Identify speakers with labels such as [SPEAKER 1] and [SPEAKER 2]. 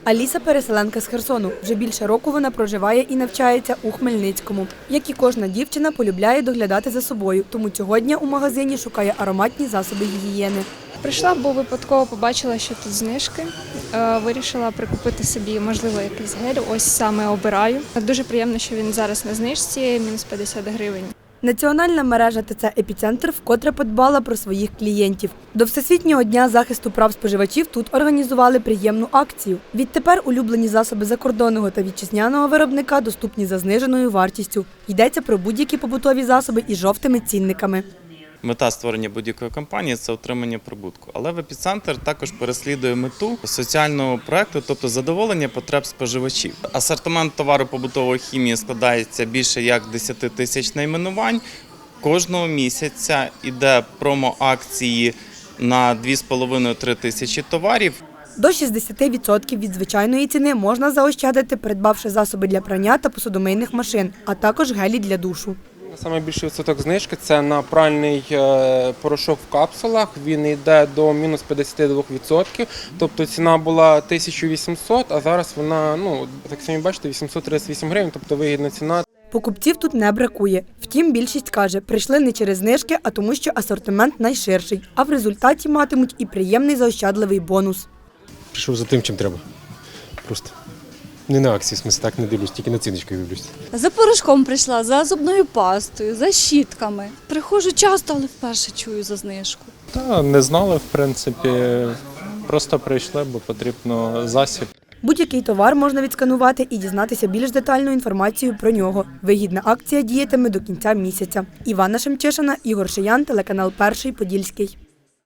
[SPEAKER 1] Аліса – переселенка з Херсону. Вже більше року вона проживає і навчається у Хмельницькому. Як і кожна дівчина, полюбляє доглядати за собою, тому цього дня у магазині шукає ароматні засоби гігієни.
[SPEAKER 2] Прийшла, бо випадково побачила, що тут знижки. Вирішила прикупити собі, можливо, якийсь гель. Ось саме обираю. Дуже приємно, що він зараз на знижці, мінус 50 гривень.
[SPEAKER 1] Національна мережа ТЦ «Епіцентр» вкотре подбала про своїх клієнтів. До Всесвітнього дня захисту прав споживачів тут організували приємну акцію. Відтепер улюблені засоби закордонного та вітчизняного виробника доступні за зниженою вартістю. Йдеться про будь-які побутові засоби із жовтими цінниками.
[SPEAKER 3] Мета створення будь-якої компанії – це отримання прибутку. Але в «Епіцентр» також переслідує мету соціального проєкту, тобто задоволення потреб споживачів. Асортимент товару побутової хімії складається більше як 10 тисяч найменувань. Кожного місяця йде промо-акції на 2,5-3 тисячі товарів.
[SPEAKER 1] До 60% від звичайної ціни можна заощадити, придбавши засоби для прання та посудомийних машин, а також гелі для душу.
[SPEAKER 4] Саме більший відсоток знижки – це на пральний порошок в капсулах. Він йде до мінус 52%. Тобто ціна була 1800, а зараз вона, так самі бачите, 838 гривень, тобто вигідна ціна.
[SPEAKER 1] Покупців тут не бракує. Втім, більшість каже, прийшли не через знижки, а тому, що асортимент найширший. А в результаті матимуть і приємний заощадливий бонус.
[SPEAKER 5] Прийшов за тим, чим треба. Просто. Не на акції, в смысле, так не дивлюсь, тільки на ціночку дивлюсь.
[SPEAKER 6] За порошком прийшла, за зубною пастою, за щітками. Приходжу часто, але вперше чую за знижку.
[SPEAKER 7] Та не знали, в принципі, просто прийшли, бо потрібно засіб.
[SPEAKER 1] Будь-який товар можна відсканувати і дізнатися більш детальну інформацію про нього. Вигідна акція діятиме до кінця місяця. Івана Шемчишина, Ігор Шиян, телеканал «Перший Подільський».